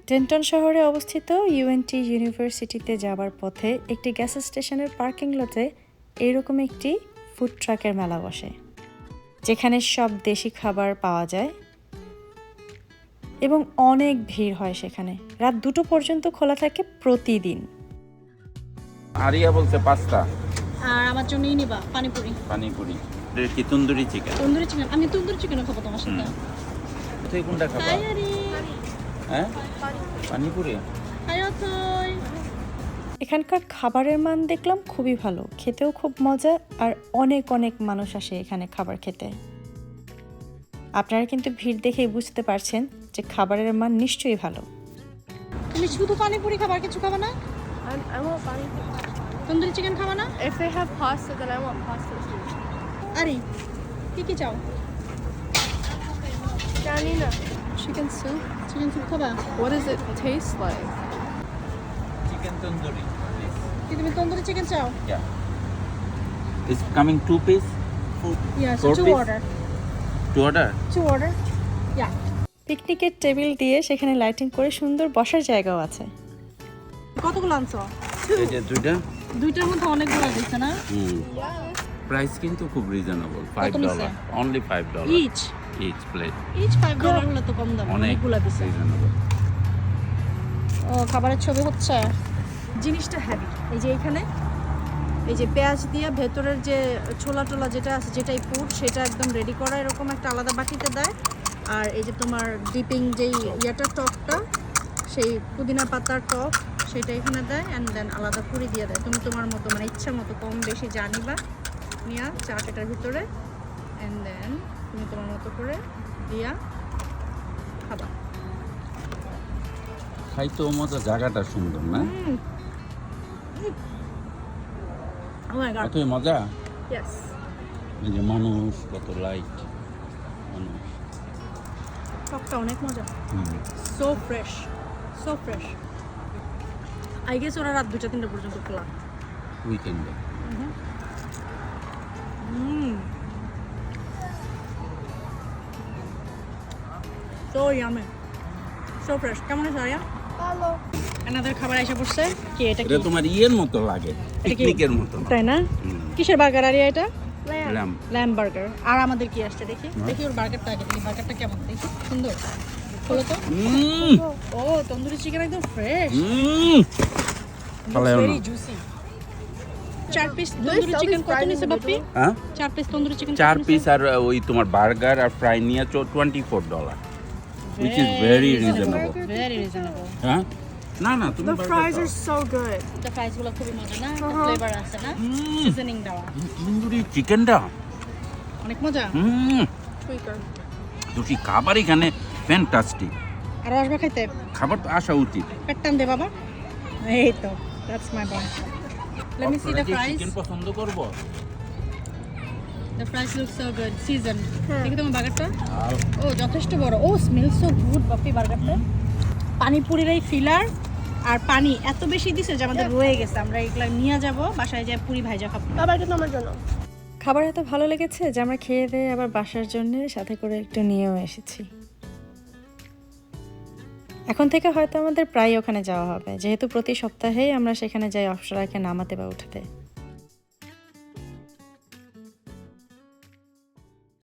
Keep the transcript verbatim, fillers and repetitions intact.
ডেন্টন শহরে অবস্থিত ইউএনটি ইউনিভার্সিটিতে যাবার পথে একটি গ্যাস স্টেশনের পার্কিং লটে এরকম একটি ফুড ট্রাকের মেলা বসে, যেখানে সব দেশি খাবার পাওয়া যায় এবং অনেক ভিড় হয় সেখানে। রাত দুটো পর্যন্ত খোলা থাকে প্রতিদিন। আরিয়া বলছে পাস্তা আর আমার জন্যই নিবা পানিপুরি। পানিপুরি কি তন্দুরি চিকেন? তন্দুরি চিকেন। আমি তন্দুরি চিকেন খাবো তোমার সাথে। তুই কোনটা খাবা? হাই আরি। হ্যাঁ পানিপুরি। হাই অথই। এখানকার খাবারের মান দেখলাম খুবই ভালো, খেতেও খুব মজা, আর অনেক অনেক মানুষ আসে এখানে খাবার খেতে। আপনারা কিন্তু ভিড় দেখেই বুঝতে পারছেন যে খাবারের মান নিশ্চয়ই ভালো। তুমি শুধু পানিপুরি খাবার কিছু খাবে না? I, I want pani. Tandoori chicken খাবে না? If they have pasta, then I want pasta too. আরে কি কি চাও? Janina, chicken soup. Chicken soup খাবা? What does it taste like? Chicken tandoori. কি তুমি তন্দুরি চিকেন চাও? Yeah. It's coming two piece. Yes, Four two piece? order. To order. Two order. Yeah. পিকনিকের table দিয়ে সেখানে লাইটিং করে সুন্দর বসার জায়গাও আছে। কতগুলো আনছো? এই যে দুইটা। দুইটার মধ্যে অনেকগুলো দিচ্ছে না? হুম। প্রাইস কিন্তু খুব reasonable, five dollars. Only five dollars. Each. Each plate. Each five dollars হলে তো কম দাম। অনেকগুলো দিছে। রিজনেবল। ও খাবারের ছবি হচ্ছে। জিনিসটা হেভি। এই যে এখানে এই যে পেঁয়াজ দিয়ে ভেতরের যে ছোলা টোলা যেটা আছে, যেটাই পুর, সেটা একদম রেডি করা এরকম একটা আলাদা বাটিতে দেয়। আর এই যে তোমার ডিপিং যেই ইয়াটা টকটা, সেই পুদিনা পাতার টক, সেটা এখানে দেয়। অ্যান্ড দেন আলাদা পুরি দিয়ে দেয়। তুমি তোমার মতো মানে ইচ্ছা মতো কম বেশি জানিবা নিয়া চাট এটার ভিতরে, অ্যান্ড দেন তুমি তোমার মতো করে দিয়া খাবা। খাইতে মজা, জায়গাটা সুন্দর না? Oh my god. কত মজা। Yes. এই যে মানুষ, কত লাইট মানুষ। টকটা অনেক মজা। হুম। So fresh, so fresh. I guess ওরা রাত দুটা তিনটা পর্যন্ত খোলা। উইকেন্ডে। Hmm so yummy, so fresh. কেমন আছে আরিয়া? Hello. আমাদের খাবার এসে পড়ছে। কি এটা? কি এটা তোমার ইয়ের মতো লাগে, পিকনিকের মতো। তাই না? কিসের বার্গার আরিয়া এটা? Lamb. ল্যাম্ব। Lamb burger. আর আমাদের কি আসছে দেখি? দেখি ওর বার্গারটা আগে দেখি। বার্গারটা কেমন দেখি? সুন্দর। খোলো তো। হুম। ও তন্দুরি চিকেন একদম ফ্রেশ। হুম। ফালাও না। Very juicy. চার piece tandoori sell chicken these কত fries নিছে in the বাপ্পি? হ্যাঁ? চার পিস তন্দুরি চিকেন। চার পিস আর ওই তোমার বার্গার আর ফ্রাই নিয়ে twenty-four dollars, which is very reasonable. Very reasonable. হ্যাঁ? না না তুমি The fries are so good. The fries গুলো খুবই মজা না? Uh-huh. ফ্লেভার আছে না? সিজনিং দেওয়া। তন্দুরি চিকেনটা অনেক মজা। হুম। Tweaker. দুটি খাবার এখানে ফ্যান্টাস্টিক। আর আসবা খাইতে? খাবার তো আসা উচিত। পেট টান দে বাবা। এই তো, that's my boy. Let me see the fries. Chicken পছন্দ করব। The fries look so good. Seasoned. দেখি তোমার বার্গারটা? ও যথেষ্ট বড়। ও স্মেল সো গুড বাপ্পি বার্গারটা। পানিপুরির এই ফিলার আর পানি এত বেশি দিছে যে আমাদের রয়ে গেছে। আমরা এগুলা নিয়ে যাব বাসায়, যায় পুরি ভাইজা খাবো। বাবা এটা তোমার জন্য। খাবার এত ভালো লেগেছে যে আমরা খেয়ে দিয়ে আবার বাসার জন্য সাথে করে একটু নিয়েও এসেছি। এখন থেকে হয়তো আমাদের প্রায় ওখানে যাওয়া হবে, যেহেতু প্রতি সপ্তাহেই আমরা সেখানে যাই অপসরাকে নামাতে বা উঠাতে।